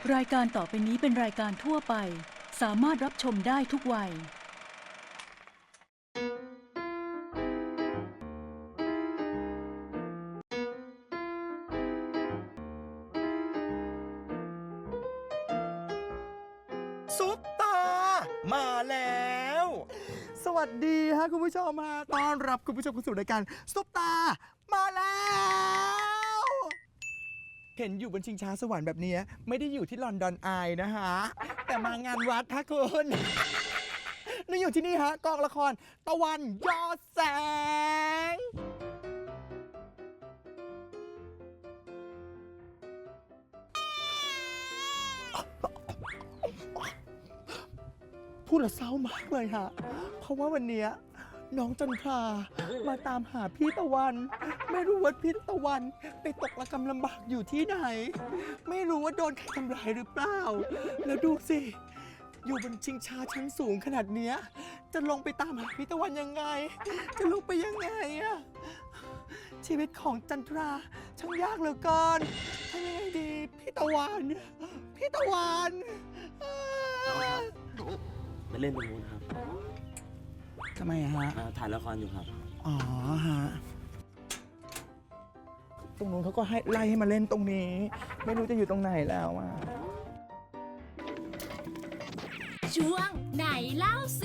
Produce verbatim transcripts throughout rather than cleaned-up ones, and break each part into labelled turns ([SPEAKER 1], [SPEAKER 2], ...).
[SPEAKER 1] รายการต่อไปนี้เป็นรายการทั่วไปสามารถรับชมได้ทุกวัย
[SPEAKER 2] ซุปตามาแล้ว สวัสดีฮะคุณผู้ชมมาต้อนรับคุณผู้ชมเข้าสู่รายการซุปตามาแล้วเห็นอยู่บนชิงช้าสวรรค์แบบนี้ไม่ได้อยู่ที่ลอนดอนไอายนะฮะแต่มางานวัดฮะคุณนี่อยู่ที่นี่ฮะกองละครตะวันยอดแสงพูดแล้วเศร้ามากเลยฮะเพราะว่าวันนี้น้องจันทรามาตามหาพี่ตะวัน ไม่รู้ว่าพี่ตะวันไปตกระกำลำบากอยู่ที่ไหน ไม่รู้ว่าโดนใครทำร้ายหรือเปล่า แล้วดูสิ อยู่บนชิงช้าชั้นสูงขนาดเนี้ยจะลงไปตามหาพี่ตะวันยังไง จะลงไปยังไงอะชีวิตของจันทราช่างยากเหลือเกินทำยังไงดีพี่ตะวันพี่ตะวันอ่า
[SPEAKER 3] ไปเล่นตรงนู้นครับ
[SPEAKER 2] ทำไมอะฮะ
[SPEAKER 3] อ่าถ่ายละครอยู่ครับ
[SPEAKER 2] อ๋อฮะ ตรงนู้นเขาก็ให้ไล่ให้มาเล่นตรงนี้ ไม่รู้จะอยู่ตรงไหนแล้วอ่ะ
[SPEAKER 4] ช่วงไหนเล่าสิ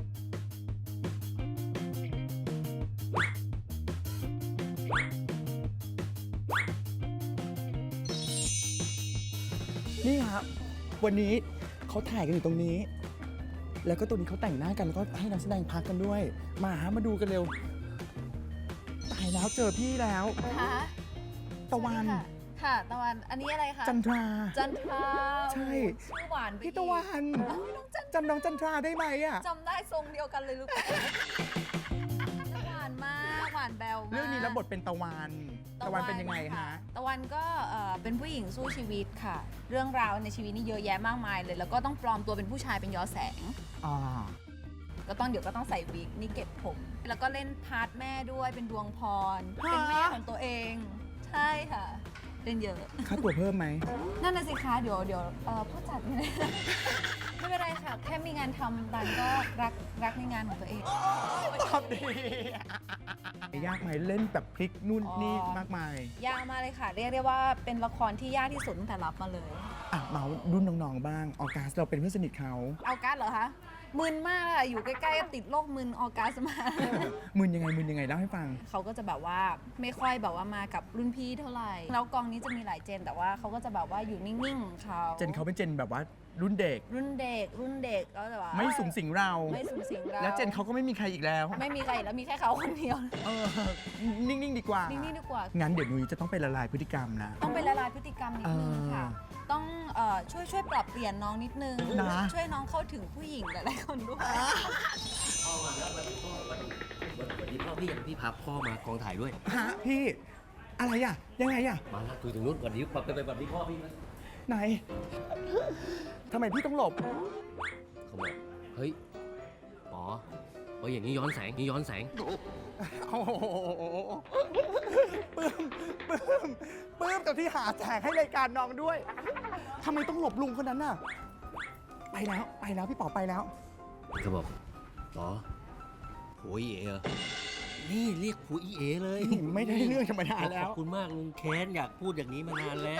[SPEAKER 2] นี่ครับ วันนี้เขาถ่ายกันอยู่ตรงนี้ แล้วก็ตรงนี้เขาแต่งหน้ากันแล้วก็ให้นักแสดงพักกันด้วย มาฮะมาดูกันเร็ว ตายแล้วเจอพี่แล้ว
[SPEAKER 5] ค่ะ
[SPEAKER 2] ตะวัน
[SPEAKER 5] ค่ะค่ะ ตะวัน อันนี้อะไรคะ
[SPEAKER 2] จันทรา
[SPEAKER 5] จันทรา
[SPEAKER 2] ใช่
[SPEAKER 5] ชื่อหวานไป
[SPEAKER 2] พี่ตะวัน
[SPEAKER 5] อีกเอ้ยน้องจัน
[SPEAKER 2] จำน้องจันทราได้ไหมอ่ะ
[SPEAKER 5] จำได้ทรงเดียวกันเลยลูกหวานมาก หวานแบวมาก
[SPEAKER 2] เรื่องนี้รับบทเป็นตะวัน ตะวันเป็นยังไงฮะ
[SPEAKER 5] ตะวันก็เอ่อเป็นผู้หญิงสู้ชีวิตค่ะ เรื่องราวในชีวิตนี่เยอะแยะมากมายเลย แล้วก็ต้องปลอมตัวเป็นผู้ชายเป็นยอแสง
[SPEAKER 2] อ่า
[SPEAKER 5] ก็ต้องเดี๋ยวก็ต้องใส่วิกนี่เก็บผม แล้วก็เล่นพาร์ทแม่ด้วยเป็นดวงพร เป็นแม่ของตัวเอง ใช่ค่ะ เล่นเยอะ
[SPEAKER 2] ค่าตัวเพิ่มไหม
[SPEAKER 5] นั่นน่ะสิคะเดี๋ยวเดี๋ยวเอ่อผู้จัดเนี่ย ไม่เป็นไรค่ะ แค่มีงานทำตันก็รักรักในงานของตัวเอง
[SPEAKER 2] ตอบดียากไหมเล่นแบบพลิกนู่น
[SPEAKER 5] อ๋อ
[SPEAKER 2] นี่มากมาย
[SPEAKER 5] ยากมากเลยค่ะ เรียกได้ว่าเป็นละครที่ยากที่สุดตั้งแต่รับมาเลย
[SPEAKER 2] อ่ะเมารุ่นน้องๆบ้าง ออกัสเราเป็นเพื่อนสนิทเขา
[SPEAKER 5] เอาการ์ดเหรอคะมึนมากอะอยู่ใกล้ๆติดโรคมึนออกัสมา
[SPEAKER 2] มึนยังไงมึนยังไงเล่าให้ฟัง
[SPEAKER 5] เขาก็จะแบบว่าไม่ค่อยแบบว่ามากับรุ่นพี่เท่าไหร่แล้วกองนี้จะมีหลายเจน แต่ว่าเขาก็จะแบบว่าอยู่นิ่งๆของเขา
[SPEAKER 2] เจนเขาเป็นเจนแบบว่ารุ่นเด็ก
[SPEAKER 5] รุ่นเด็กรุ่นเด็กก็จะแบบว่า
[SPEAKER 2] ไม่สูงสิงเรา
[SPEAKER 5] ไม่สูงสิงเรา
[SPEAKER 2] แล้วเจนเขาก็ไม่มีใครอีกแล้ว
[SPEAKER 5] ไม่มีใครแล้วมีแค่เขาคนเดียว
[SPEAKER 2] เออนิ่งๆดีกว่า
[SPEAKER 5] นิ่งๆดีกว่า
[SPEAKER 2] งั้นเดี๋ยวนุ้ยจะต้องไปละลายพฤติกรรมนะ
[SPEAKER 5] ต้องไปละลายพฤติกรรมนิดนึงค่ะ
[SPEAKER 2] เออ
[SPEAKER 5] ต้องเอ่อช่วยช่วยปรับเปลี่ยนน้องนิดนึง
[SPEAKER 2] นะ
[SPEAKER 5] ช่วยน้องเข้าถึงผู้หญิงหลายๆคนด้วย
[SPEAKER 3] พ่อมาแล้ววันนี้พ่อวันนี้วันนี้พ่อพี่ยังพี่พาพ่อมากองถ่ายด้วย
[SPEAKER 2] ฮะพี่ อะไรอ่ะ ยังไงอ่ะ
[SPEAKER 3] มาแล้วคุยถึงนู้นวันนี้ไปไปวันนี้พ่อพี่นะ
[SPEAKER 2] ไหนทำไมพี่ต้องหลบ
[SPEAKER 3] เขาบอกเฮ้ยป๋อเฮ้ยอย่างนี้ย้อนแสงนี่ย้อนแสง
[SPEAKER 2] โอ้โหปลื้มปลื้มปลื้มกับที่หาแสงให้รายการน้องด้วยทำไมต้องหลบลุงคนนั้นน่ะ ไปแล้วไปแล้วพี่ป๋อไปแล้ว
[SPEAKER 3] เขาบอกป๋อผัวอีเอเหรอนี่เรียกผัวอีเอเลย
[SPEAKER 2] ไม่ได้เรื่องธรรมดา
[SPEAKER 3] ข
[SPEAKER 2] แล้
[SPEAKER 3] อ
[SPEAKER 2] ว
[SPEAKER 3] บคุณมากลุงแค้นอยากพูดอย่างนี้มานานแล้ว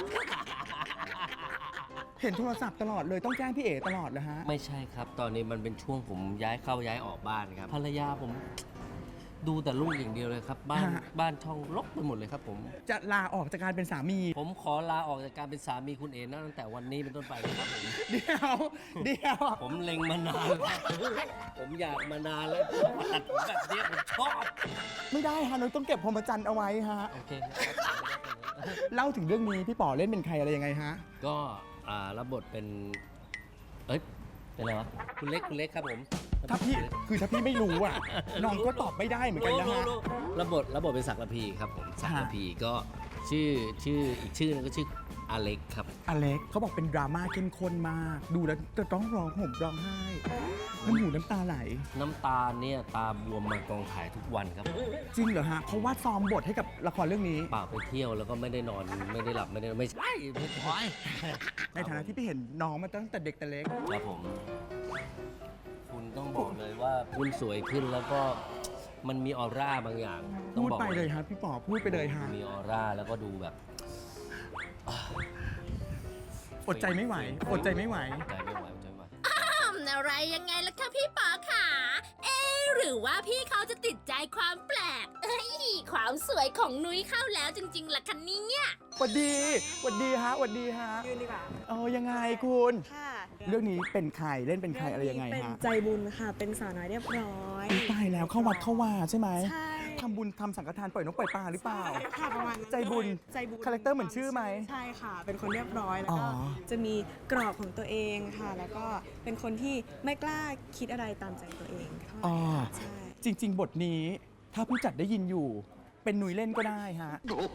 [SPEAKER 2] เห็นโทรศัพท์ตลอดเลยต้องแจ้งพี่เอ๋ตลอดเลยฮะ
[SPEAKER 3] ไม่ใช่ครับ ตอนนี้มันเป็นช่วงผมย้ายเข้าย้ายออกบ้านครับภรรยาผมดูแต่ลูกอย่างเดียวเลยครับ บ้าน
[SPEAKER 2] ฮะ
[SPEAKER 3] บ้านช่องรกไปหมดเลยครับผม
[SPEAKER 2] จะลาออกจากการเป็นสามี
[SPEAKER 3] ผมขอลาออกจากการเป็นสามีคุณเอ๋นะตั้งแต่วันนี้เป็นต้นไปนะครับผม
[SPEAKER 2] เดี๋ยวเดี๋ยว
[SPEAKER 3] ผมเล็งมานานแล้วผมอยากมานานแล้วมาตัดผมแบบนี้ผมชอบ
[SPEAKER 2] ไม่ได้ฮะนุ้ยต้องเก็บพรหมจรรย์เอาไว้ฮะ
[SPEAKER 3] โอเค
[SPEAKER 2] เล่าถึงเรื่องนี้พี่ป๋อเล่นเป็นใครอะไรยังไงฮะ
[SPEAKER 3] ก็อ่ารับบทเป็นเอ้ยเป็นอะไรวะคุณเล็กคุณเล็กครับผม
[SPEAKER 2] ถ้าพี่คือถ้าพี่ไม่รู้อ่ะน้องก็ตอบไม่ได้เหมือนกันนะฮะ
[SPEAKER 3] รู้รู้รู้รับบทรับบทเป็นศักดิ์ระพีครับผมศักดิ์ระพีก็ชื่อชื่ออีกชื่อนึงก็ชื่ออเล็กครับ
[SPEAKER 2] อเล็กเขาบอกเป็นดราม่าเข้มข้นมาก ดูแล้วจะต้องร้องห่มร้องไห้น้ำหูน้ำตาไหล
[SPEAKER 3] น้ำตาเนี่ยตาบวมมากองถ่ายทุกวันครับ
[SPEAKER 2] จริงเหรอฮะเพราะว่าซ้อมบทให้กับละครเรื่องนี้
[SPEAKER 3] เปล่าไปเที่ยวแล้วก็ไม่ได้นอนไม่ได้หลับไม่ได้ไม่ใช่ไม่ใช่
[SPEAKER 2] ในฐานะที่พี่เห็นน้องมาตั้งแต่เด็กแต่เล็ก
[SPEAKER 3] ครับผม คุณต้องบอกเลยว่าคุณสวยขึ้นแล้วก็มันมีออร่าบางอย่างต้อง
[SPEAKER 2] พูด
[SPEAKER 3] บอก
[SPEAKER 2] ไปเลยฮะพี่ป๋อพูดไปเลยฮะ
[SPEAKER 3] มีออร่าแล้วก็ดูแบบ
[SPEAKER 2] อดใจไม่ไหว อดใจไม่ไหว
[SPEAKER 3] ใจไม่ไหวใจไม่ไหว
[SPEAKER 4] ทำอะไรยังไงล่ะคะพี่ป๋อขาเอ๊ะหรือว่าพี่เขาจะติดใจความแปลก เอ้ย ความสวยของนุ้ยเข้าแล้วจริงๆล่ะคะเนี่ย
[SPEAKER 2] หวัดดีหวัดดีฮะหวัดดีฮะ
[SPEAKER 6] ยืนดีกว่า
[SPEAKER 2] เออยังไงคุณ
[SPEAKER 6] ค่ะ
[SPEAKER 2] เรื่องนี้เป็นใครเล่นเป็นใครอะไรยังไง
[SPEAKER 6] เป็น
[SPEAKER 2] ฮะ
[SPEAKER 6] ใจบุญค่ะ เป็นสาวน้อยเรียบร้อย
[SPEAKER 2] ตายแล้วเข้าวัดเข้าวาใช่ไหม
[SPEAKER 6] ใช่
[SPEAKER 2] ทำบุญทำสังฆทานปล่อยนกปล่อยปลาหรือเปล่า
[SPEAKER 6] ค่ะประมาณนั้น
[SPEAKER 2] ใจบุญ
[SPEAKER 6] ใจบุญ
[SPEAKER 2] คาแรคเตอร์เหมือนชื่อไหม
[SPEAKER 6] ใช่ค่ะ เป็นคนเรียบร้อยแล้ว
[SPEAKER 2] อ๋
[SPEAKER 6] ก็
[SPEAKER 2] อ
[SPEAKER 6] จะมีกรอบของตัวเองค่ะ แล้วก็เป็นคนที่ไม่กล้าคิดอะไรตามใจตัวเองเท่าไหร่
[SPEAKER 2] อ๋อ
[SPEAKER 6] ใช่
[SPEAKER 2] จริง ๆ บทนี้ถ้าผู้จัดได้ยินอยู่ เป็นหนุ่ยเล่นก็ได้ฮะ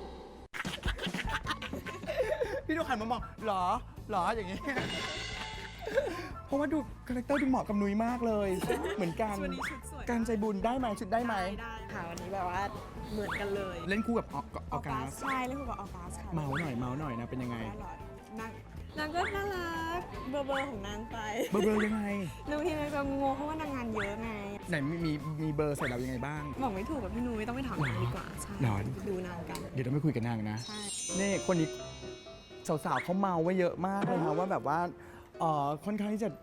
[SPEAKER 2] พี่ดูหันมามองหรอหรออย่างนี้ เพราะว่าดูคาแรคเตอร์ดูเหมาะกับหนุ่ยมากเลย เหมือนกัน
[SPEAKER 6] วันนี้ชุดสวย
[SPEAKER 2] การใจบุญได้ไหมชุดได้ไหม
[SPEAKER 6] ได้ค่ะ วันนี้แบบว่าเหมือนกันเลย
[SPEAKER 2] เล่นคู่กับออกออกัส
[SPEAKER 6] ใช่เล่นคู่กับออกัสค่ะ
[SPEAKER 2] เมาหน่อยเมาหน่อยนะเป็นยังไง
[SPEAKER 6] น่ารักนางนางก็น่ารักเบอร์เบอร์ของนางไป
[SPEAKER 2] เบอร์เบอร์ยังไง
[SPEAKER 6] บางทีนางจะงงเพราะว่านางงานเยอะไง
[SPEAKER 2] ไหนมีมีมีเบอร์ใส่เรายังไงบ้าง
[SPEAKER 6] บอกไม่ถูกกับพี่นุ้ยต้องไปถามนางดีกว่า ใช่
[SPEAKER 2] หรอ
[SPEAKER 6] ดูนางกัน
[SPEAKER 2] เดี๋ยวเราไม่คุยกับนางนะ
[SPEAKER 6] ใช่
[SPEAKER 2] นี่คนนี้สาวๆเขาเมาไว้เยอะมากเลยนะว่าแบบว่าเอ่อค่อนข้างที่จะ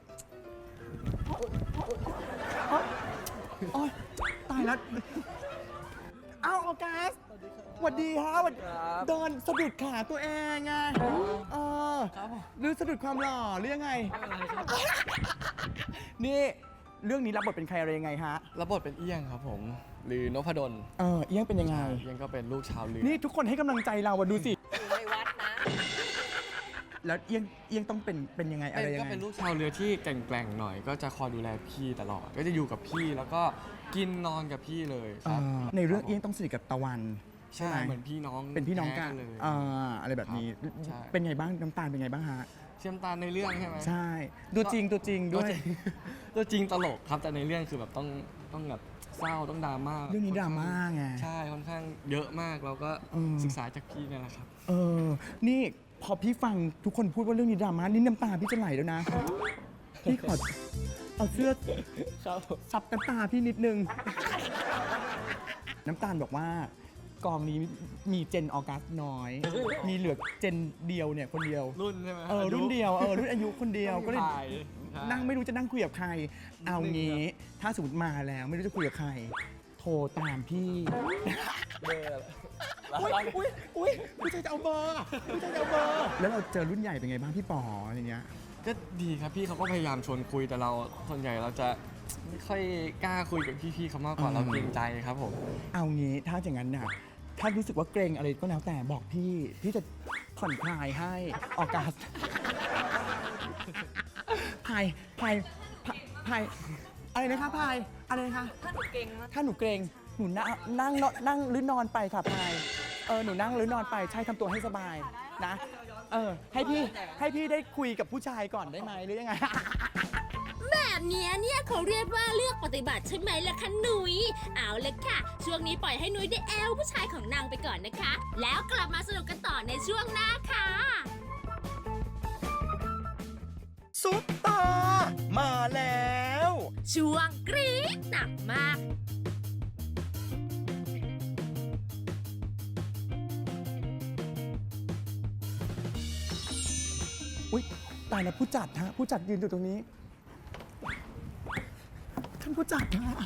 [SPEAKER 2] โอ๊ยโอ๊ยตายแล้วเอ้าออกัสสวัสดีฮะสวัสดีเดินสะดุดขาตัวเองไงเออหรือสะดุดความหล่อหรือยังไง นี่เรื่องนี้รับบทเป็นใครอะไรยังไงฮะ
[SPEAKER 7] รับบทเป็นเอี้ยงครับผม หรือนพดล
[SPEAKER 2] เออเอี้ยงเป็นยังไง
[SPEAKER 7] เอี้ยงก็เป็นลูกชาวเรือ
[SPEAKER 2] นี่ทุกคนให้กำลังใจเราอะดูสิ
[SPEAKER 5] อยู่ในวัดนะ
[SPEAKER 2] แล้วเอี้ยงเอี้ยงต้องเป็นเป็นยังไงอะไร
[SPEAKER 7] เป็น
[SPEAKER 2] ยัง
[SPEAKER 7] ก็
[SPEAKER 2] ไง
[SPEAKER 7] เป็นลูกชาวเรือที่แกร่งๆหน่อย ก็จะคอยดูแลพี่ตลอด ก็จะอยู่กับพี่แล้วก็กินนอนกับพี่เลยค
[SPEAKER 2] อ่
[SPEAKER 7] รับ
[SPEAKER 2] าในเรื่องเอี้ยงต้องสนิทกับตะวัน ใช่
[SPEAKER 7] ใช่
[SPEAKER 2] ไหม
[SPEAKER 7] เหมือนพี่น้อง
[SPEAKER 2] เป็นพี่น้องกัน
[SPEAKER 7] แท้เลย
[SPEAKER 2] อ่าอะไรแบบนี้
[SPEAKER 7] ครับใช่
[SPEAKER 2] เป็นไงบ้างน้ำตาลเป็นไงบ้างฮะ
[SPEAKER 7] เชื่อมตาในเรื่องใช่ไหม
[SPEAKER 2] ใช่ตัวจริงตัวจริงด้วย
[SPEAKER 7] ตัวจริง ตัวจริงตลกครับแต่ในเรื่องคือแบบต้องต้องแบบเศร้าต้องดราม่า
[SPEAKER 2] เรื่องนี้ดราม่าไง
[SPEAKER 7] ใช่ค่อนข้างเยอะมากเราก็
[SPEAKER 2] อืม
[SPEAKER 7] ศึกษาจากพี่นี่แหละครับ
[SPEAKER 2] เออ นี่พอพี่ฟังทุกคนพูดว่าเรื่องนี้ดราม่านี่น้ำตาพี่จะไหลแล้วนะ พี่ขอเอาเสื้อซับน้ำตาพี่นิดนึง น้ำตาลบอกว่ากองนี้มีเจนออกัสน้อย มีเหลือเจนเดียวเนี่ยคนเดียว
[SPEAKER 7] รุ่นใช่ไหม
[SPEAKER 2] เออรุ่นเดียวเออรุ่นอายุคนเดียวก็เลย
[SPEAKER 7] ถ่ายใช่
[SPEAKER 2] นั่งไม่รู้จะนั่งคุยกับใคร เอางี้ ถ้าสมมติมาแล้วไม่รู้จะคุยกับใคร โทรตามพี่
[SPEAKER 7] เบอร์
[SPEAKER 2] อุ้ยอุ้ยอุ้ยผู้ชายจะเอาเบอร์ผู้ชายจะเอาเบอร์ แล้วเราเจอรุ่นใหญ่เป็นไงบ้างพี่ป๋ออะไรเงี้ย
[SPEAKER 7] ก็ดีครับพี่เขาก็พยายามชวนคุยแต่เราส่วนใหญ่เราจะไม่ค่อยกล้าคุยกับพี่ๆเขามากกว่า
[SPEAKER 2] อืม
[SPEAKER 7] เราเกรงใจครับผม
[SPEAKER 2] เอางี้ถ้าอย่างนั้นน่ะถ้ารู้สึกว่าเกรงอะไรก็แล้วแต่บอกพี่ พี่จะผ่อนคลายให้ออกัสพายพายพายพายอะไรนะคะพายอะไรนะคะ
[SPEAKER 5] ถ้าหนูเก่งมาก
[SPEAKER 2] ถ้าหนูเกรงหนูนั่งนั่งนอนนั่งหรือนอนไปค่ะพายเออหนูนั่งหรือนอนไปใช่ทำตัวให้สบายนะเออให้พี่ให้พี่ได้คุยกับผู้ชายก่อนได้ไหมหรือยังไง
[SPEAKER 4] แบบเนี้ยเนี่ยเขาเรียกว่าเลือกปฏิบัติใช่ไหมล่ะคะหนุยเอาเลยค่ะ ช่วงนี้ปล่อยให้หนุยได้แอลผู้ชายของนางไปก่อนนะคะ แล้วกลับมาสนุกกันต่อในช่วงหน้าค่ะ
[SPEAKER 2] ซุปตามาแล้ว
[SPEAKER 4] ช่วงกรี๊ดหนักมาก
[SPEAKER 2] อุ๊ยตายแล้วผู้จัดฮะผู้จัดยืนอยู่ตรงนี้ท่านผู้จัดฮะ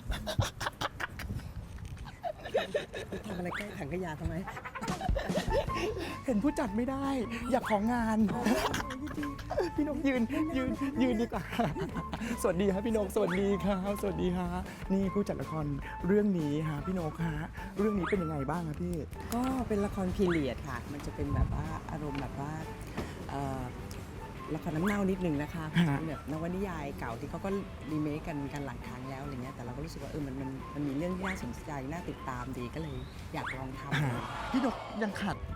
[SPEAKER 8] ทำอะไรใกล้ถังขยะทำไม
[SPEAKER 2] เห็นผู้จัดไม่ได้ อยากของาน พี่นกยืนยืนยืนดีกว่า สวัสดีครับพี่นกสวัสดีครับสวัสดีฮะนี่ผู้จัดละครเรื่องนี้ฮะพี่นกฮะเรื่องนี้เป็นยังไงบ้างครับพี่
[SPEAKER 8] ก็เป็นละครพีเรียดค่ะ มันจะเป็นแบบว่าอารมณ์แบบว่าเอ่อละครน้ำเน่านิดนึงนะคะ
[SPEAKER 2] ฮะ
[SPEAKER 8] เป็นแบบนวนิยายเก่าที่เขาก็รีเมคกันกันหลายครั้งแล้วอะไรเงี้ย แต่เราก็รู้สึกว่าเออมันมันมันมีเรื่องที่น่าสนใจน่าติดตามดีก็เลยอยากลองทำ
[SPEAKER 2] ฮะพี่นกยังขาด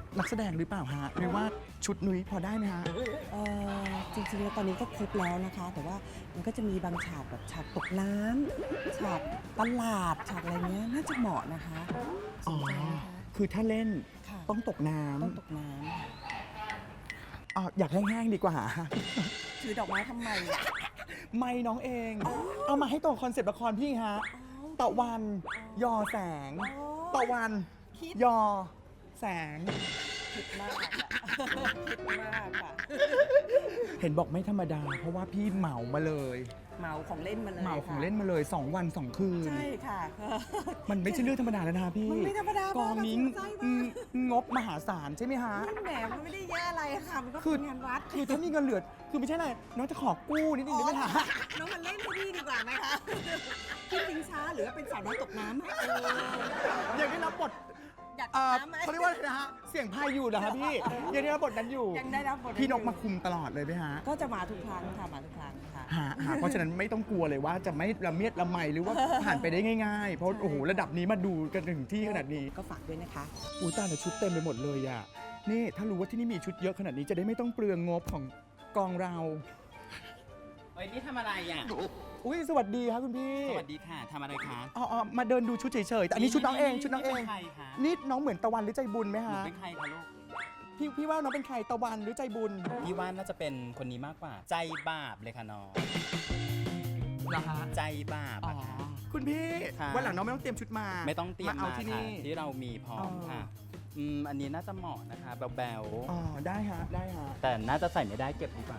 [SPEAKER 2] นักแสดงหรือเปล่าฮะหรือว่าชุดนุ้ยพอได้ไหมฮะ
[SPEAKER 8] เอ่อจริงๆแล้วตอนนี้ก็ครบแล้วนะคะ แต่ว่ามันก็จะมีบางฉากแบบฉากตกน้ำฉากตลาดฉากอะไรเงี้ยน่าจะเหมาะนะคะส
[SPEAKER 2] อ๋อน
[SPEAKER 8] ใจไหมคะ
[SPEAKER 2] คือถ้าเล่น
[SPEAKER 8] ค่ะ
[SPEAKER 2] ต้องตกน้
[SPEAKER 8] ต้องตกน้ำค่ะ
[SPEAKER 2] ำอ๋ออยากแห้งๆดีกว่า
[SPEAKER 8] ถือดอกไม้ทำไมอ่ะ
[SPEAKER 2] ไม่น้องเอง เอามาให้ตรงคอนเซปต์ละครพี่ฮะตะวันยอแสงตะวันยอแสง
[SPEAKER 8] คิดมากอะคิดมากค่ะ
[SPEAKER 2] เห็นบอกไม่ธรรมดา เพราะว่าพี่เหมามาเลย
[SPEAKER 8] เหมาของเล่นมาเลย
[SPEAKER 2] เหมาของ
[SPEAKER 8] ค่ะ
[SPEAKER 2] เล่นมาเลยสองวันสองคืน
[SPEAKER 8] ใช่ค่ะ
[SPEAKER 2] มันไม่ใช่เรื่องธรรมดาแล้วนะพี่
[SPEAKER 8] มันไม่ธรรมดาก
[SPEAKER 2] องนี้
[SPEAKER 8] มากเราสนใจมาก
[SPEAKER 2] อืมงบมหาศาลใช่ไหมฮะ
[SPEAKER 8] แหมมันไม่ได้แย่อะไรค่ะ มันก็
[SPEAKER 2] คือ
[SPEAKER 8] เป็นงานวัด
[SPEAKER 2] คือถ้ามีเงินเหลือ คือไม่ใช่อะไรน้องจะขอกู้นิดนึงได้ไหมคะ
[SPEAKER 8] น้องมันเล่นให้พี่ดีกว่าไหมคะพี่จริงช้าหรือว่าเป็นสาวน้อยตกน้ำอะเออ
[SPEAKER 2] อยากได้รับบท
[SPEAKER 8] อยากต
[SPEAKER 2] เอ่
[SPEAKER 8] ก
[SPEAKER 2] อ
[SPEAKER 8] น้ำไหม
[SPEAKER 2] เขาเรียกว่าอะไรนะฮะ เสียงพายอยู่เหรอฮะพี่ ยังได้รับบทนั้นอยู่
[SPEAKER 8] ยังได้รับบท
[SPEAKER 2] พี่นกมาคุมตลอดเลยไหมฮะ
[SPEAKER 8] ก็จะมาทุกครั้งค่ะ มาทุกครั้งค่ะ
[SPEAKER 2] ฮะฮะเพราะฉะนั้นไม่ต้องกลัวเลยว่าจะไม่ละเมียดละไมหรือว่าผ่านไปได้ง่ายๆ เพราะโอ้โหระดับนี้มาดูกันถึงที่ขนาดนี้
[SPEAKER 8] ก็ฝากด้วยนะคะ
[SPEAKER 2] อุ้ยตายแต่ชุดเต็มไปหมดเลยอ่ะ นี่ถ้ารู้ว่าที่นี่มีชุดเยอะขนาดนี้จะได้ไม่ต้องเปลืองงบของกองเรา
[SPEAKER 9] เอ้ยนี่ทำอะไรอ่ะ
[SPEAKER 2] อุ้ยสวัสดีครับคุณพี่
[SPEAKER 9] สวัสดีค่ะทำอะไรคะ
[SPEAKER 2] อ๋ออ๋อมาเดินดูชุดเฉยๆ แต่อันนี้ชุดน้องเองชุดน้องเอง
[SPEAKER 9] ป็ใครคะ
[SPEAKER 2] นี่น้องเหมือนตะวันหรือใจบุญไหม
[SPEAKER 9] หนู
[SPEAKER 2] ฮะ
[SPEAKER 9] เป็นใครคะลูก
[SPEAKER 2] พี่พี่ว่าน้องเป็นใครตะวันหรือใจบุญ
[SPEAKER 9] พี่ว่าน่าจะเป็นคนนี้มากกว่า ใจบาปเลยค่ะน้อง
[SPEAKER 2] เหรอฮะ
[SPEAKER 9] ใจบาป
[SPEAKER 2] อ๋อ
[SPEAKER 9] อะค่ะ
[SPEAKER 2] คุณพี่
[SPEAKER 9] ค่ะ
[SPEAKER 2] วันหลังน้องไม่ต้องเตรียมชุดมา
[SPEAKER 9] ไม่ต้องเตรียม
[SPEAKER 2] เอา
[SPEAKER 9] มา
[SPEAKER 2] ที่
[SPEAKER 9] ค่ะ
[SPEAKER 2] นี่
[SPEAKER 9] ที่เรามีพร้อม
[SPEAKER 2] อ๋อ
[SPEAKER 9] ค่ะอืมอันนี้น่าจะเหมาะนะคะแบว
[SPEAKER 2] อ๋อได้ฮะได้ฮะ
[SPEAKER 9] ๆแต่น่าจะใส่ไม่ได้เก็บดีกว่า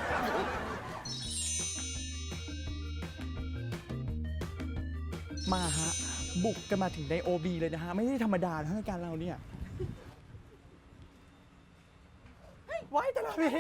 [SPEAKER 2] มาฮะ บุกกันมาถึงใน โอ บี เลยนะฮะ ไม่ได้ธรรมดาทั้งรายการเราเนี่ยไว้ตลอดเลย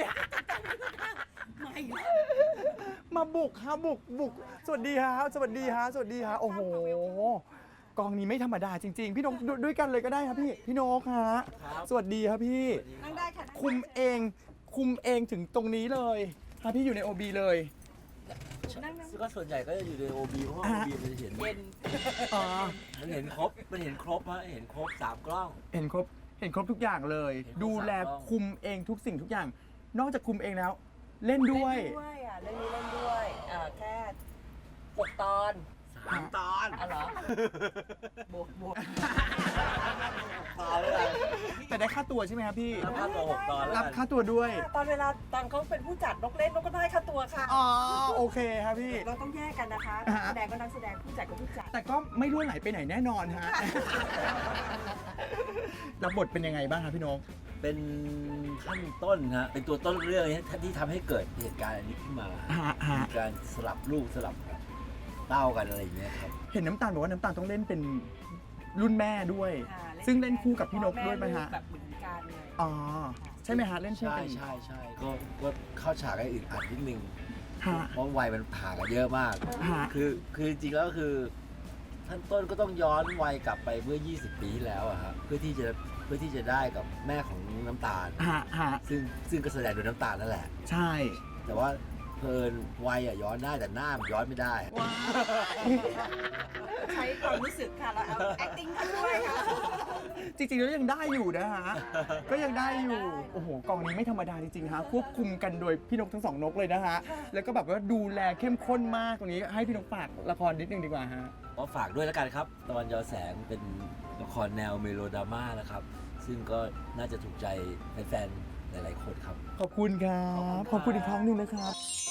[SPEAKER 2] มาบุกฮะบุกบุก สวัสดีฮะสวัสดีฮะสวัสดีฮะโอ้โห กองนี้ไม่ธรรมดาจริง ๆ พี่นกดูด้วยกันเลยก็ได้ครับพี่ พี่นกฮะสวัสดีครับพี่
[SPEAKER 8] นั่งได้ค่ะ
[SPEAKER 2] คุมเองคุมเองถึงตรงนี้เลยฮะพี่อยู่ใน โอ บี เลย
[SPEAKER 10] ก็ส่วนใหญ่ก็จะอยู่ใน โอ บี เพราะว่า
[SPEAKER 2] อ่ะ
[SPEAKER 10] โอ บี มันจะเห็น
[SPEAKER 2] อ๋อ
[SPEAKER 10] มันเห็นครบ มันเห็นครบฮะเห็นครบสามกล้อง
[SPEAKER 2] เห็นครบเห็นครบทุกอย่างเลย
[SPEAKER 10] เห็นครบ
[SPEAKER 2] ดูแล
[SPEAKER 10] สามรอบ
[SPEAKER 2] คุมเองทุกสิ่งทุกอย่าง นอกจากคุมเองแล้ว เล่นด้วย
[SPEAKER 8] เล่นด้วยอ่ะเรื่องนี้เล่นด้วยเอ่อแค่หกตอน
[SPEAKER 10] สามตอน
[SPEAKER 8] อ๋อเหรอ บวกบวก
[SPEAKER 10] ตอนเลย
[SPEAKER 2] แต่ได้ค่าตัวใช่ไหมครับพี่
[SPEAKER 10] รับค่าตัวหกตอนแล้ว
[SPEAKER 2] รับ
[SPEAKER 10] กัน
[SPEAKER 2] ค่าตัวด้วย
[SPEAKER 8] ตอนเวลาตอนเขาเป็นผู้จัดนกเล่นนกก็ได้ค่าตัวค่ะ
[SPEAKER 2] อ๋อโอเคครับพี่
[SPEAKER 8] เราต้องแยกกันนะคะ
[SPEAKER 2] อ่า
[SPEAKER 8] นักแสดงก็นักแสดงผู้จัดก็ผู้จัด
[SPEAKER 2] แต่ก็ไม่รั่วไหลไปไหนแน่นอนฮะ รับบทเป็นยังไงบ้างครับพี่นก
[SPEAKER 10] เป็นขั้นต้นฮะ เป็นตัวต้นเรื่องนี้ที่ทำให้เกิดเหตุการณ์อันนี้ขึ้นมา
[SPEAKER 2] ฮะฮะ
[SPEAKER 10] มีการสลับลูกสลับเต้ากันอะไรอย่างเงี้ยครับ
[SPEAKER 2] เห็นน้ำตาลบอกว่าน้ำตาลต้องเล่นเป็นรุ่นแม่ด้วย
[SPEAKER 8] ค่ะ
[SPEAKER 2] ซึ่งเล่นคู่กับพี่นกด้วยไหมฮะ
[SPEAKER 8] แบบเหมือนกันเลย
[SPEAKER 2] อ๋อ ใช่ไหมฮะ เล่นคู่
[SPEAKER 10] ใช่
[SPEAKER 2] กัน
[SPEAKER 10] ใช่ใช่ก็ก็เข้าฉากให้อึดอัดนิดนึง
[SPEAKER 2] ฮะ
[SPEAKER 10] เพราะวัยมันผ่างกันเยอะมาก
[SPEAKER 2] ฮะ
[SPEAKER 10] คือคือจริงๆแล้วคือท่านต้นก็ต้องย้อนวัยกลับไปเมื่อ ยี่สิบ ปีที่แล้วอะครับเพื่อที่จะเพื่อที่จะได้กับแม่ของน้ำตาล
[SPEAKER 2] ฮะฮะ
[SPEAKER 10] ซึ่งซึ่งก็แสดงโดยน้ำตาลนั่นแหละ
[SPEAKER 2] ใช่
[SPEAKER 10] แต่ว่าเพลินวัยอะย้อนได้แต่หน้ามันย้อนไม่ได้
[SPEAKER 8] ใช้ความรู้สึกค่ะ เราเอา acting เข้าด้วยค่ะ
[SPEAKER 2] จริงๆแล้วยังได้อยู่นะฮะ ก็ยังได้อยู่ โอ้โห กองนี้ไม่ธรรมดาจริงๆฮะ ควบคุมกันโดยพี่นกทั้งสองนกเลยนะฮะ แล้วก็แบบว่าดูแลเข้มข้นมากตรงนี้ ให้พี่นกฝากละครนิดนึงดีกว่าฮะ
[SPEAKER 10] ก็ฝากด้วยแล้วกันครับ ตะวันยอแสงเป็นละครแนวเมโลดราม่านะครับ ซึ่งก็น่าจะถูกใจแฟนๆหลายๆคนครับ
[SPEAKER 2] ขอบคุณครับ ขอบคุณอีกครั้งหนึ่งนะครับ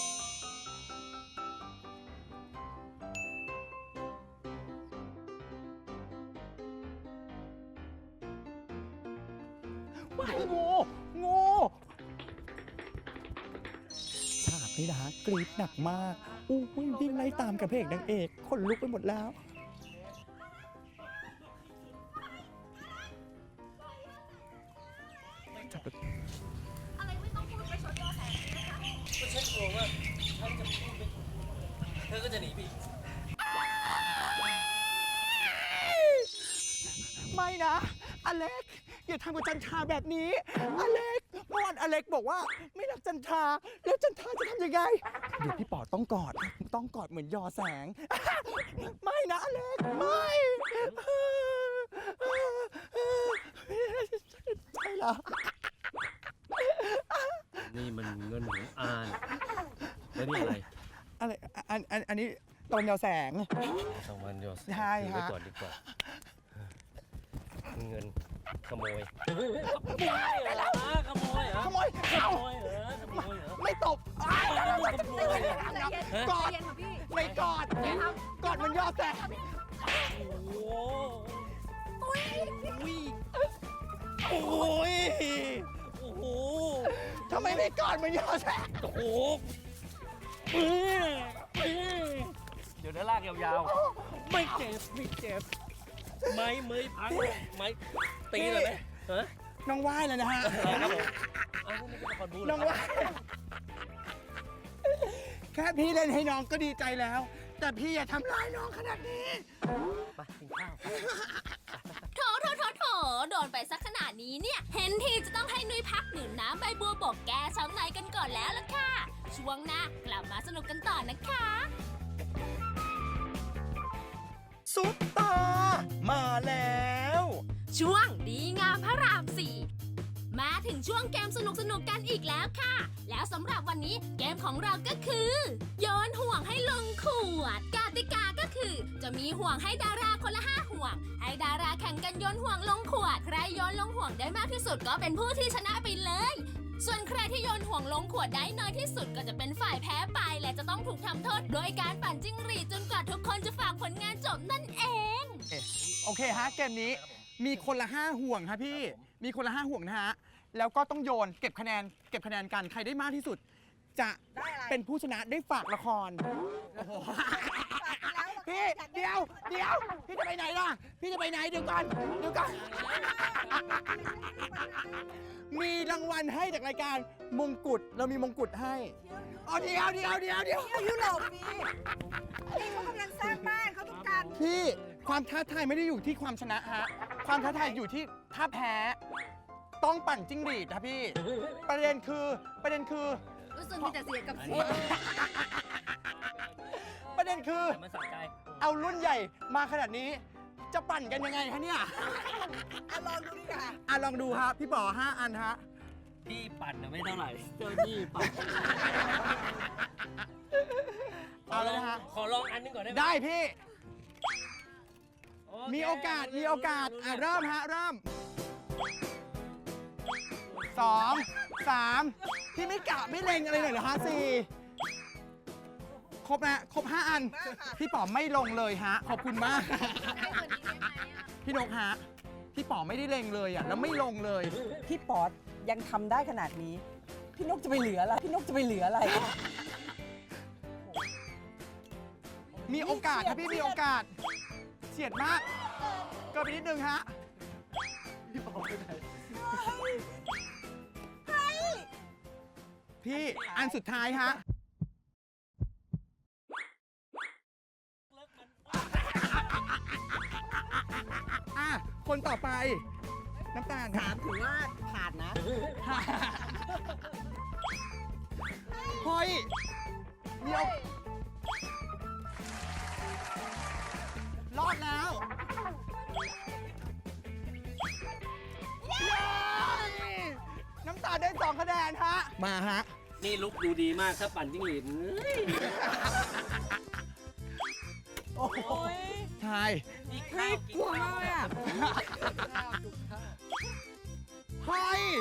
[SPEAKER 2] ว้ายงูงูฉากนี้นะฮะกรี๊ดหนักมากอู้ยวิ่งไล่ตามกับพระเอกนางเอกขนลุกไปหมดแล้ว จับแบบ
[SPEAKER 3] เธอก็จะหนีพี่
[SPEAKER 2] ไม่นะ อเล็ก อย่าทำกับจันทราแบบนี้ อเล็กเมื่อวานอเล็กบอกว่าไม่รักจันทราแล้วจันทราจะทำยังไง เดี๋ยวพี่ป๋อต้องกอด ต้องกอดเหมือนยอแสง ไม่นะอเล็ก ไม่ใจเหรอ
[SPEAKER 3] นี่มันเงินของอานแล้วนี่อะไร
[SPEAKER 2] อะไรอันอันอันนี้ตอนยาวแสง
[SPEAKER 3] สองพันโยส
[SPEAKER 2] ใช่
[SPEAKER 3] ถือไว้
[SPEAKER 2] ฮะ
[SPEAKER 3] ก่อนดีกว่า เงินขโมยขโมยเหรอ
[SPEAKER 2] ขโมย
[SPEAKER 3] ข
[SPEAKER 2] เอา
[SPEAKER 3] โมยเหรอขโมยเหรอ
[SPEAKER 2] ไม่ตบอ้าย
[SPEAKER 3] ขโมยเหรอ
[SPEAKER 2] กอดไม่กอดกอดมันยอดแสง
[SPEAKER 3] โอ้โหโอ้โหโอ้โห
[SPEAKER 2] ทำไมไม่กอดมันยอดแสง
[SPEAKER 3] โอ้โหเดี๋ยวนะลากยาวๆ ไม่เจ็บ ไม่เจ็บ ไม้เมยพังไม้ตีเลยไหมฮะ
[SPEAKER 2] น้องว่ายแล้วนะฮะ
[SPEAKER 3] ครับผมอ้าวนี่เป็นละครบู๊เหร
[SPEAKER 2] น้
[SPEAKER 3] อ
[SPEAKER 2] อง
[SPEAKER 3] ครับ
[SPEAKER 2] ว่ายแค่พี่เล่นให้น้องก็ดีใจแล้ว แต่พี่อย่าทำร้ายน้องขนาดนี้
[SPEAKER 3] ไปกินข้าวไป
[SPEAKER 4] โถโถโถโถโดนไปสักขนาดนี้เนี่ย เห็นทีจะต้องให้นุ้ยพักดื่มน้ำใบบัวบกแก้ช้ำในกันก่อนแล้วล่ะค่ะ ช่วงหน้ากลับมาสนุกกันต่อนะคะ
[SPEAKER 2] ซุปตา มาแล้ว
[SPEAKER 4] ช่วงดีงามพระรามสี่มาถึงช่วงเกมสนุกสนุกๆกันอีกแล้วค่ะ แล้วสำหรับวันนี้เกมของเราก็คือ โยนห่วงให้ลงขวดกติกาก็คือ จะมีห่วงให้ดาราคนละห้าห่วง ให้ดาราแข่งกันโยนห่วงลงขวด ใครโยนลงห่วงได้มากที่สุดก็เป็นผู้ที่ชนะไปเลย ส่วนใครที่โยนห่วงลงขวดได้น้อยที่สุดก็จะเป็นฝ่ายแพ้ไป และจะต้องถูกทำโทษโดยการปั่นจิ้งหรีดจนกว่าทุกคนจะฝากผลงานจบนั่นเอง
[SPEAKER 2] โอเคฮะ เกมนี้มีคนละห้าห่วงฮะพี่ มีคนละห้าห่วงนะฮะ แล้วก็ต้องโยนเก็บคะแนน เก็บคะแนนกัน ใครได้มากที่สุด จะเป็นผู้ชนะได้ฝากละคร โอ้โห พี่ เดี๋ยว เดี๋ยว พี่จะไปไหนล่ะ พี่จะไปไหนเดี๋ยวก่อน เดี๋ยวก่อน มีรางวัลให้จากรายการมงกุฎ เรามีมงกุฎให้อ๋อเดี๋ยวเดี๋ยวเดี๋ยวเดี๋ยว
[SPEAKER 8] ยุโรปนี่นี่เขากำลังสร้างบ้านเขาต้องการ
[SPEAKER 2] พี่ความท้าทายไม่ได้อยู่ที่ความชนะฮะ ความท้าทายอยู่ที่ถ้าแพ้ ต้องปั่นจิ้งหรีดนะพี่ ประเด็นคือประเด็นคือ
[SPEAKER 5] รู้สึกมีแต่เสียกับเสีย
[SPEAKER 2] ประเด็นคือ
[SPEAKER 3] แต่มันสะใจ
[SPEAKER 2] เอารุ่นใหญ่มาขนาดนี้ จะปั่นกันยังไงฮะเนี่ย
[SPEAKER 8] อ่ะลองดูดิค่ะ
[SPEAKER 2] อ่ะลองดูฮะพี่ป๋อห้าอันฮะ
[SPEAKER 3] พี่ปั่นนะไม่เท่าไหร่เจ้านี่ปั่น
[SPEAKER 2] เอาเลยนะฮะ
[SPEAKER 3] ขอลองอันหนึงก่อนได้ไหม
[SPEAKER 2] ได้พี่
[SPEAKER 3] โเค
[SPEAKER 2] มีโอกาสมีโอกาสอ่ะเริ่มฮะเริ่มสองสามพี่ไม่กะไม่เล็งอะไรเลยเหรอฮะสี่ครบนะครบห้าอัน พี่ป๋อไม่ลงเลยฮะ ขอบคุณมาก พี่นกฮะ พี่ป๋อไม่ได้เล็งเลยอ่ะ แล้วไม่ลงเลย
[SPEAKER 8] พี่ป๊อตยังทำได้ขนาดนี้ พี่นกจะไปเหลืออะไร พี่นกจะไปเหลืออะไร
[SPEAKER 2] มีโอกาสครับพี่มีโอกาสเฉียดมากเกินไปนิดนึงฮะพี่อันสุดท้ายฮะอ่ะคนต่อไป น้ำตาลถามถือว่าผ่านนะเฮ้ยเดี๋ยวรอดแล้วเย้น้ำตาลได้สองคะแนนฮะ มาฮะ
[SPEAKER 3] นี่ลุกดูดีมากถ้าปั่นจิ้งหรีดเฮ้ย
[SPEAKER 2] โอ้โหใช่
[SPEAKER 3] นี่ข้าวกินข้าว
[SPEAKER 8] อ่ะ
[SPEAKER 2] เฮ้ย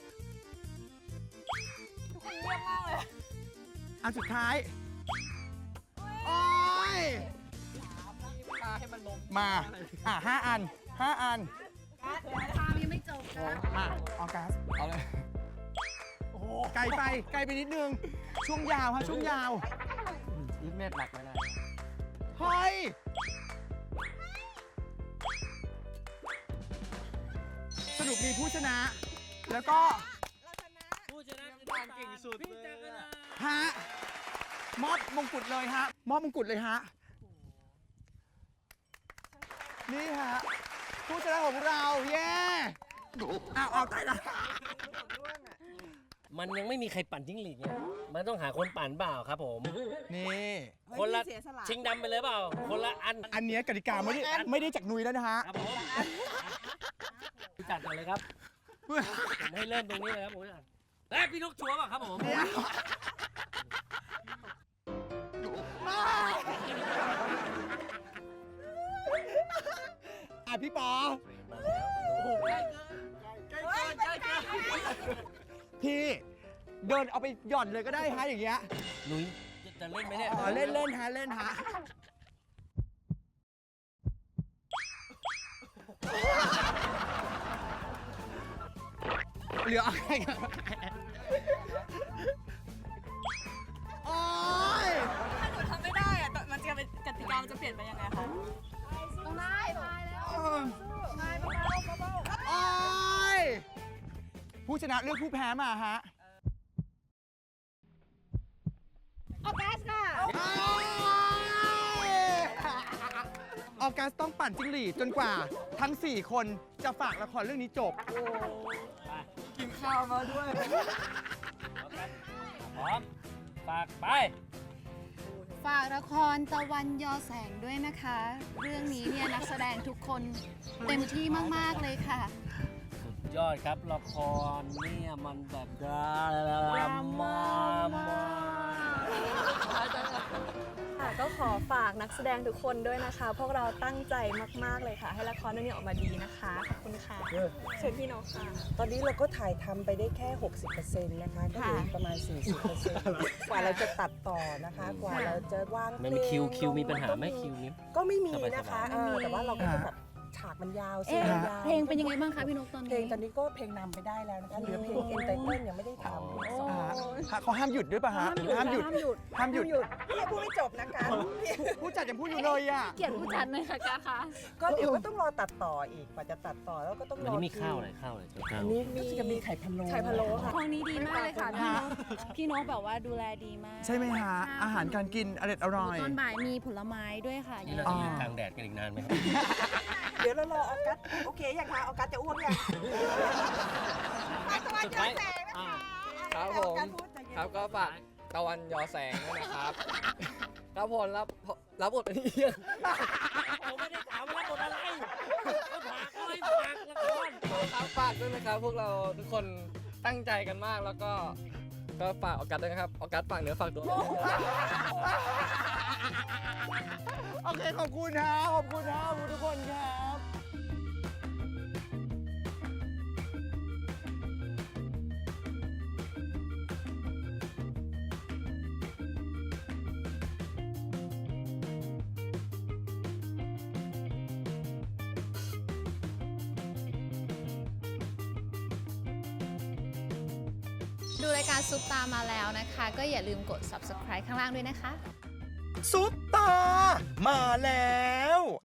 [SPEAKER 2] อันสุดท้าย โอ้ย มา อ่ะห้าอันห้าอัน
[SPEAKER 5] ทางยังไม่จบนะ
[SPEAKER 2] อ่ะออกัส
[SPEAKER 7] เอาเลย
[SPEAKER 2] โอ้โห ไกลไป ไกลไปนิดนึง ช่วงยาวฮะ ช่วงยาว
[SPEAKER 7] อีทเมตรหลักไม่ได้
[SPEAKER 2] เฮ้ย สรุปมีผู้ชนะ แล้วก็
[SPEAKER 3] ผู้ชนะคือน้ำตาลเก่งสุดพี่จักรนะ
[SPEAKER 2] ฮะ มอบมงกุฎเลยฮะ มอบมงกุฎเลยฮะ นี่ฮะ ผู้ชนะของเรา เย้อ้าวเอาตายละ
[SPEAKER 3] มันยังไม่มีใครปั่นจิ้งหรีดไงมันต้องหาคนปั่นเปล่าครับผม
[SPEAKER 2] นี่
[SPEAKER 3] คนละ
[SPEAKER 8] เสียสละ
[SPEAKER 3] ชิงดำไปเลยเปล่า คนละอัน
[SPEAKER 2] อันเนี้ยกติกาไม่ได้ไม่ได้จากนุยแล้วนะฮะ
[SPEAKER 3] ครับผมพี่จัดก่อนเลยครับผมให้เริ่มตรงนี้เลยครับผมเอ้ยพี่นกชัวร์ป่ะครับผม
[SPEAKER 2] อ่ะพี่ปอ
[SPEAKER 3] โอ้โหใกล้เกินใกล้เกินใกล้เกิน
[SPEAKER 2] พี่เดินเอาไปหย่อนเลยก็ได้ฮะอย่างเงี้ย
[SPEAKER 3] หนุ้ยจะเล่นไหมเนี่ย
[SPEAKER 2] อ๋อเล่นเล่นฮะเล่นฮะเหลืออะไรกันโอ๊ย
[SPEAKER 5] ถ้าหนูทำไม่ได้อะมันจะเป็นกติกามันจะเปลี่ยนไปยังไงคะต้องได้พายแล้วพายเบาๆเบา
[SPEAKER 2] โอ๊ยผู้ชนะเลือกผู้แพ้มาฮะ
[SPEAKER 5] ๆออกัสค่ะ
[SPEAKER 2] ออกัสต้องปั่นจิ้งหรีดจนกว่าทั้ง สี่ คนจะฝากละครเรื่องนี้จบ
[SPEAKER 7] กินข้าวมาด้วย
[SPEAKER 3] พร้อมฝากไป
[SPEAKER 5] ฝากละครตะวันยอแสงด้วยนะคะ เรื่องนี้เนี่ยนักแสดงทุกคนเต็มที่มากๆเลยค่ะ
[SPEAKER 3] สุดยอดครับละครเนี่ยมันแบบดราม่ามาก
[SPEAKER 6] ค่ะก็ขอฝากนักแสดงทุกคนด้วยนะคะ พวกเราตั้งใจมากๆเลยค่ะ ให้ละครเรื่องนี้ออกมาดีนะคะ ขอบคุณค่ะเชิญพี่นกค่ะ
[SPEAKER 8] ตอนนี้เราก็ถ่ายทำไปได้แค่ หกสิบเปอร์เซ็นต์ นะคะ ก็เหลืออีกประมาณ สี่สิบเปอร์เซ็นต์ กว่าเราจะตัดต่อนะคะ กว่าเราจะวางเพล
[SPEAKER 3] ไม่
[SPEAKER 8] ง
[SPEAKER 3] มีคิวคิวมีปัญหาไหม
[SPEAKER 8] ก็
[SPEAKER 3] คิวนี้
[SPEAKER 8] ก็ไม่มีนะคะ
[SPEAKER 3] สบายๆ
[SPEAKER 8] เออแต่ว่าเราก็จะแบบฉากมันยาวเสียงยาว
[SPEAKER 5] เพลงเป็นยังไงบ้างคะพี่นกตอนนี้
[SPEAKER 8] เพลงตอนนี้ก็เพลงนำไปได้แล้วนะคะ เหลือเพลงเอ็นไตเติลยังไม่ได้ทำ
[SPEAKER 2] อ่าฮะเขาห้ามหยุดด้วยป่ะฮะ ห้ามหยุด ห้ามหยุด ห้ามหยุด
[SPEAKER 8] พี่พูดไม่จบนะคะ
[SPEAKER 2] ผู้จัดยังพูดอยู่เลยอ่ะ
[SPEAKER 5] เกลียดผู้จัดหน่อยค่ะการคะ
[SPEAKER 8] ก็เดี๋ยวก็ต้องรอตัดต่ออีกกว่าจะตัดต่อแล้วก็ต้อง
[SPEAKER 3] วัน
[SPEAKER 8] รอ
[SPEAKER 3] นี้มีข้าวอะไรข้าวอะไรข้าว
[SPEAKER 8] อันนี้มีจะมีไข่พะโล้
[SPEAKER 6] ไข่พะโล้ค่ะ
[SPEAKER 5] ครั้งนี้ดีมากเลยค่ะพี่นกพี่นกแบบว่าดูแลดีมาก
[SPEAKER 2] ใช่ไหมฮะ อาหารการกินอร่อยอร่อย
[SPEAKER 5] ตอนบ่ายมีผลไม้ด้วยค่ะ
[SPEAKER 3] นี่เราจะยืนกลางแดดกันอีกนานไหมครับ
[SPEAKER 8] เดี๋ยวเรารอออกัสโอเคยังคะออกัสจะอ้วกยัง
[SPEAKER 3] สุดท้ายอ่า
[SPEAKER 7] ครับผม ครับก็ฝากตะวันยอแสงด้วยนะครับ ครับผมรับรับบทเป็นเอียง
[SPEAKER 3] ผมไม่ได้ถามว่ารับบทอะไรเขาถามอะไรฝากละคร
[SPEAKER 7] ครับฝากด้วยนะครับ พวกเราทุกคนตั้งใจกันมากแล้วก็ก็ฝากออกัสด้วยนะครับออกัสฝากเนื้อฝากตัว
[SPEAKER 2] โอเค ขอบคุณฮะขอบคุณฮะขอบคุณทุกคนครับ
[SPEAKER 5] ดูรายการซุปตามาแล้วนะคะ ก็อย่าลืมกด ซับสไครบ์ ข้างล่างด้วยนะคะ
[SPEAKER 2] ซุปตา มาแล้ว